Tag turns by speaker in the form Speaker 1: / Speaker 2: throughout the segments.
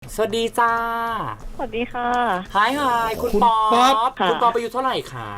Speaker 1: สวัสดีจ้า
Speaker 2: สวัสดีค่ะ
Speaker 1: ฮายคุณป๊อปคุณป๊อปอายุเท่าไหร่คะ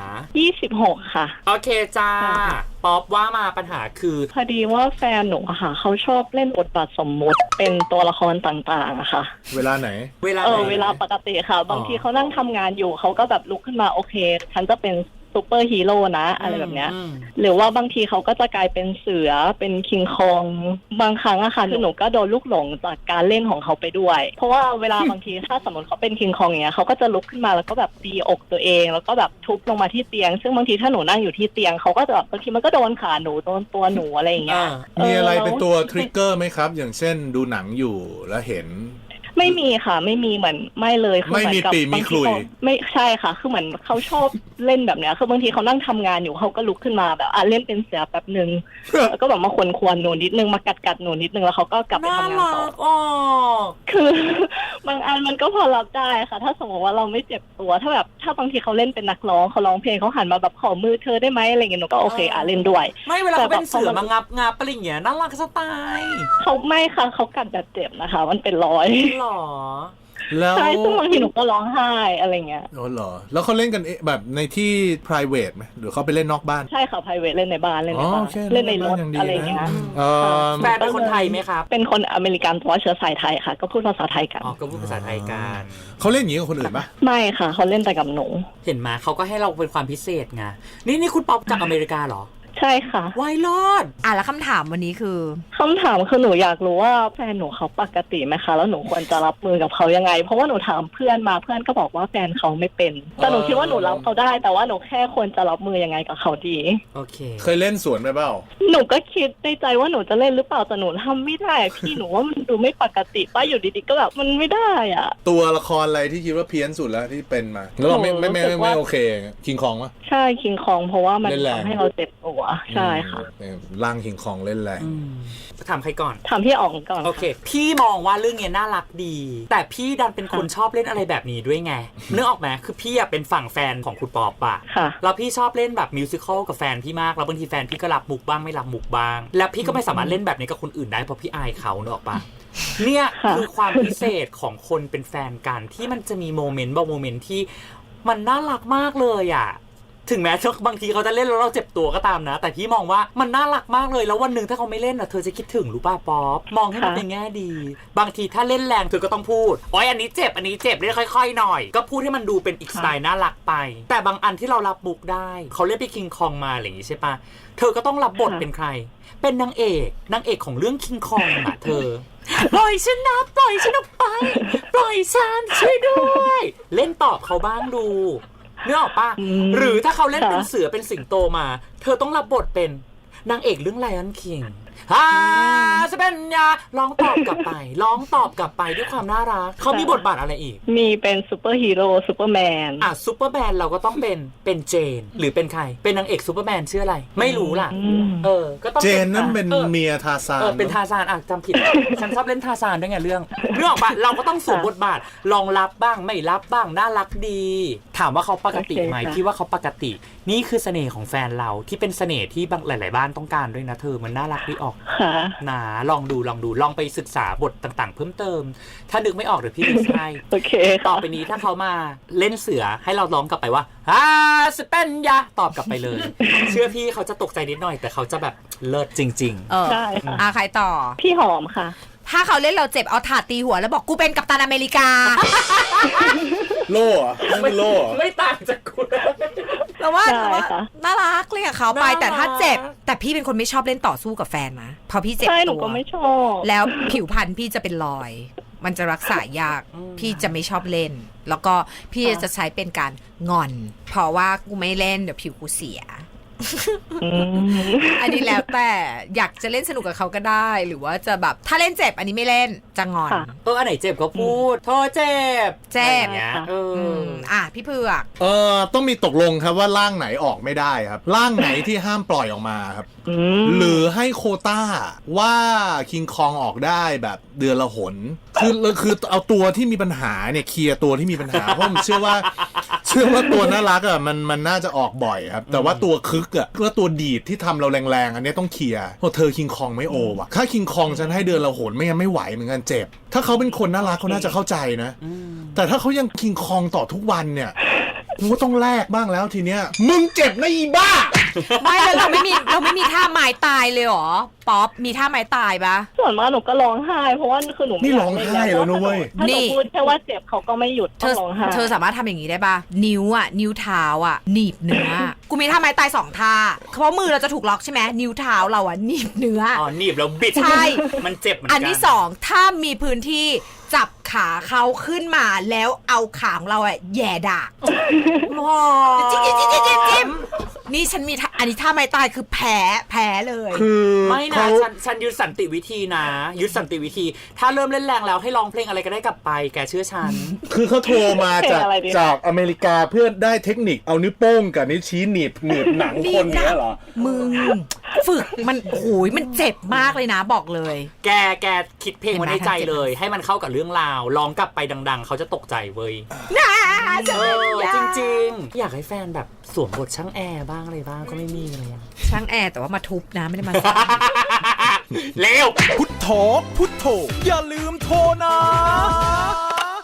Speaker 2: 26ค่ะ
Speaker 1: โอเคจ้าป๊อปว่ามาปัญหาคือ
Speaker 2: พอดีว่าแฟนหนูอะค่ะเขาชอบเล่นบทบาทสมมุติเป็นตัวละครต่างๆอะค่ะ
Speaker 3: เวลาไหน
Speaker 1: เวลา
Speaker 2: ปกติค่ะบางทีเขานั่งทำงานอยู่เขาก็แบบลุกขึ้นมาโอเคฉันจะเป็นซูเปอร์ฮีโร่นะอะไรแบบเนี้ยหรือว่าบางทีเขาก็จะกลายเป็นเสือเป็นคิงคองบางครั้งอะค่ะคือหนูก็โดนลูกหลงจากการเล่นของเขาไปด้วยเพราะว่าเวลาบางทีถ้าสมมติเขาเป็นคิงคองอย่างเงี้ยเขาก็จะลุกขึ้นมาแล้วก็แบบตีอกตัวเองแล้วก็แบบทุบลงมาที่เตียงซึ่งบางทีถ้าหนูนั่งอยู่ที่เตียงเขาก็จะแบบบางทีมันก็โดนขาหนูโดนตัวหนูอะไรอย่างเงี้ย
Speaker 3: มีอะไรเป็นตัวทริกเกอร์ไหมครับอย่างเช่นดูหนังอยู่แล้วเห็น
Speaker 2: ไม่มีค่ะไม่มีเหมือนไม่เลยคือ
Speaker 3: ไม่มีปีมีขลุ่ย
Speaker 2: ไม่ใช่ค่ะคือเหมือนเขาชอบเล่นแบบเนี้ยคือบางทีเขานั่งทำงานอยู่เขาก็ลุกขึ้นมาแบบเล่นเป็นเสือแป๊บนึงแล้วก็แบบมาควนหนูนิดนึงมากัดหนูนิดนึงแล้วเขาก็กลับไปทำงานต่อคือบางอันมันก็พอรับได้ค่ะถ้าสมมติว่าเราไม่เจ็บตัวถ้าแบบถ้าบางทีเขาเล่นเป็นนักร้องเขาร้องเพลงเขาหันมาแบบขอมือเธอได้ไหมอะไรเงี้ยหนูก็โอเคเล่นด้วย
Speaker 1: ไม่เวลาเขาเป็นเสือมางับอะไรอย่างเงี้ยน่ารักสไตล์
Speaker 2: เขาไม่ค่ะเขากัดแบบเจ็บนะคะมันเป็นรอย
Speaker 1: หรอ
Speaker 2: ใช่ซึ่งบางทีหนูก็ร้องไห้อะไรเงี้ย
Speaker 3: อ๋อเหรอแล้วเขาเล่นกันแบบในที่ private ไหมหรือเขาไปเล่นนอกบ้าน
Speaker 2: ใช่ค่ะ private เล่นในบ้านเล่นในบ้านเล่นในรถอะไรเงี้ย
Speaker 1: แฟนเป็นคนไทยไหมครับ
Speaker 2: เป็นคนอเมริกันเพราะเชื้อสายไทยค่ะก็พูดภาษาไทยกัน
Speaker 1: ก็พูดภาษาไทยกัน
Speaker 3: เขาเล่นอย่างนี้กับคนอื่นปะ
Speaker 2: ไม่ค่ะเขาเล่นแต่กับหนู
Speaker 1: เห็นมาเขาก็ให้เราเป็นความพิเศษไงนี่คุณป๊อปจากอเมริกาเหรอ
Speaker 2: ใช่ค่ะ
Speaker 1: ไวรอด
Speaker 4: แล้วคำถามวันนี้คือ
Speaker 2: คำถามคือหนูอยากรู้ว่าแฟนหนูเขาปกติไหมคะแล้วหนูควรจะรับมือกับเขายังไงเพราะว่าหนูถามเพื่อนมาเพื่อนก็บอกว่าแฟนเขาไม่เป็นแต่หนูคิดว่าหนูรับเขาได้แต่ว่าหนูแค่ควรจะรับมือยังไงกับเขาดี
Speaker 1: โอเค
Speaker 3: เคยเล่นสวนไปเปล่า
Speaker 2: หนูก็คิดในใจว่าหนูจะเล่นหรือเปล่าแต่หนูทำไม่ได้พี่หนูว่ามันดูไม่ปกติป้าอยู่ดีๆก็แบบมันไม่ได้อ่ะ
Speaker 3: ตัวละครอะไรที่คิดว่าเพี้ยนสุดแล้วที่เป็นมาแล้วเราไม่โอเคคิงคองปะ
Speaker 2: ใช่คิงคองเพราะว่ามันทำให้เราเจ็บตัวใช่ค่ะ
Speaker 3: ร่างคิงคองเล่นแรง
Speaker 1: ถามใครก่อน
Speaker 2: ถามพี่อ๋องก่อน
Speaker 1: โอเคพี่มองว่าเรื่องนี้น่ารักดีแต่พี่ดันเป็นคนชอบเล่นอะไรแบบนี้ด้วยไงนึกออกไหมคือพี่เป็นฝั่งแฟนของคุณป๊อปอะแล้วพี่ชอบเล่นแบบมิวสิควลกับแฟนพี่มากแล้วบางทีแฟนพี่ก็รับมุกบ้างไม่รับมุกบ้างแล้วพี่ก็ไม่สามารถเล่นแบบนี้กับคนอื่นได้เพราะพี่อายเขานึกออกปะเนี่ยคือความพิเศษของคนเป็นแฟนกันที่มันจะมีโมเมนต์บางโมเมนต์ที่มันน่ารักมากเลยอะถึงแม้บางทีเขาจะเล่นแล้วเราเจ็บตัวก็ตามนะแต่พี่มองว่ามันน่ารักมากเลยแล้ววันหนึ่งถ้าเขาไม่เล่นเธอจะคิดถึงรู้ป่ะป๊อปมองให้มันเป็นแง่ดีบางทีถ้าเล่นแรงเธอก็ต้องพูดอันนี้เจ็บเล่นค่อยๆหน่อยก็พูดให้มันดูเป็นอีกสไตล์น่ารักไปแต่บางอันที่เรารับบุกได้เขาเล่นไปคิงคองมาอะไรอย่างนี้ใช่ปะเธอก็ต้องรับบทเป็นใครเป็นนางเอกของเรื่องคิงคองอะเธอปล่อยฉันนะปล่อยฉันออกไปปล่อยฉันช่วยด้วยเล่นตอบเขาบ้างดูนึกออกป่ะหรือถ้าเขาเล่นเป็นเสือเป็นสิงโตมาเธอต้องรับบทเป็นนางเอกเรื่อง Lion King จะเป็นร้องตอบกลับไปด้วยความน่ารักเขามีบทบาทอะไรอีก
Speaker 2: มีเป็นซูเปอร์ฮีโร่ซูเปอร์แมน
Speaker 1: ซูเปอร์แมนเราก็ต้องเป็นเจนหรือเป็นใครเป็นนางเอกซูเปอร์แมนชื่ออะไรไม่รู้ล่ะ
Speaker 3: ก็ต้องเจนนั่นเป็นเมียทาซาน
Speaker 1: เป็นทาซานจำผิดฉันชอบเล่นทาซานด้วยไงเรื่องออกปะเราก็ต้องสวมบทบาทลองรับบ้างไม่รับบ้างน่ารักดีถามว่าเขาปกติไหมพี่ว่าเขาปกตินี่คือเสน่ห์ของแฟนเราที่เป็นเสน่ห์ที่หลายๆบ้านต้องการด้วยนะเธอมันน่ารักดีออกนะลองดูลองไปศึกษาบทต่างๆเพิ่มเติมถ้านึกไม่ออกเดี๋ยวพี่จะให้
Speaker 2: โอเค
Speaker 1: ต่อไปนี้ถ้าเขามาเล่นเสือให้เราร้องกลับไปว่าสเปนยาตอบกลับไปเลยเชื่อพี่เขาจะตกใจนิดหน่อยแต่เขาจะแบบเลิศจริง
Speaker 2: ๆใช่ค่ะ
Speaker 4: ใครต่อ
Speaker 2: พี่หอมค่ะ
Speaker 4: ถ้าเขาเล่นเราเจ็บเอาถาดตีหัวแล้วบอกกูเป็นกัปตันอเมริกา
Speaker 3: โล่ไม่โล่
Speaker 1: ไม่ต่างจากกู
Speaker 4: แต่ว่าน่ารักเลยกับเขาไปแต่ถ้าเจ็บแต่พี่เป็นคนไม่ชอบเล่นต่อสู้กับแฟนนะพอพี่เจ็บตัว
Speaker 2: ใช่หนูก็ไม่ชอบ
Speaker 4: แล้วผิวพรรณพี่จะเป็นรอยมันจะรักษายากพี่จะไม่ชอบเล่นแล้วก็พี่จะใช้เป็นการงอนเพราะว่ากูไม่เล่นเดี๋ยวผิวกูเสียอันนี้แล้วแต่อยากจะเล่นสนุกกับเขาก็ได้หรือว่าจะแบบถ้าเล่นเจ็บอันนี้ไม่เล่นจะงอน
Speaker 1: อันไหนเจ็บก็พูดโทษเจ็บ
Speaker 4: เนี้ยพี่เผือก
Speaker 3: ต้องมีตกลงครับว่าร่างไหนออกไม่ได้ครับร่างไหนที่ห้ามปล่อยออกมาครับหรือให้โควต้าว่าคิงคองออกได้แบบเดือนละหนคือเอาตัวที่มีปัญหาเนี่ยเคลียร์ตัวที่มีปัญหาเพราะผมเชื่อเชื่อว่าตัวน่ารักอ่ะมันน่าจะออกบ่อยครับแต่ว่าตัวคึกอ่ะก็ตัวดีดที่ทำเราแรงๆอันนี้ต้องเคลียร์เพราะเธอคิงคองไม่โอว่ะถ้าคิงคองฉันให้เดือนละหนไม่งั้นไม่ไหวเหมือนกันเจ็บถ้าเขาเป็นคนน่ารักเขาน่าจะเข้าใจนะแต่ถ้าเขายังคิงคองต่อทุกวันเนี่ยกูก็ต้องแลกบ้างแล้วทีเนี้ยมึงเจ็บนะอีบ้า
Speaker 4: ไม่แล้วเราไม่มีท่าไม้ตายเลยเหรอป๊อปมีท่าไม้ตายปะ
Speaker 2: ส่วนมากหนูก็ร้องไห้เพราะว่าคือหนู
Speaker 3: นี่ร้องไห้แล้วนะเว้ย
Speaker 2: ถ้าหนูพูดแค่ว่าเจ็บเขาก็ไม่หยุดต้องร้องไห้
Speaker 4: เธอสามารถทำอย่างนี้ได้ปะนิ้วเท้าอ่ะหนีบเนื้อกูมีท่าไม้ตาย2ท่าเพราะมือเราจะถูกล็อกใช่ไหมนิ้วเท้าเราอ่ะหนีบเนื้อ
Speaker 1: หนีบแล้วบิด
Speaker 4: ใช่
Speaker 1: มันเจ็บเหมือนกัน
Speaker 4: อันที่2ถ้ามีพื้นที่จับขาเขาขึ้นมาแล้วเอาขาของเราอ่ะแย่ดากจิ้มนี่ฉันมีอันนี้ท่าไม้ตายคือแพ้เลย
Speaker 3: คือ
Speaker 1: ไม่นะฉันยึดสันติวิธีนะยึดสันติวิธีถ้าเริ่มเล่นแรงแล้วให้ร้องเพลงอะไรก็ได้กลับไปแกเชื่อฉัน
Speaker 3: คือเขาโทรมาจากอเมริกาเพื่อได้เทคนิคเอานิ้วโป้งกับนิ้วชี้หนีบหนังคนเนี้ยเหรอ
Speaker 4: มึงฝึกมันโอ้ยมันเจ็บมากเลยนะบอกเลย
Speaker 1: แกคิดเพลงไว้ในใจเลยให้มันเข้ากับเรื่องราวร้องกลับไปดังๆเขาจะตกใจเว้ยจริงๆอยากให้แฟนแบบสวมบทช่างแอร์บ้างอะไรบ้างก็ไม่มีเลย
Speaker 4: ช่างแอร์แต่ว่ามาทุบนะไม่ได้มา
Speaker 1: เร็ว
Speaker 5: พุทโธอย่าลืมโทรนะ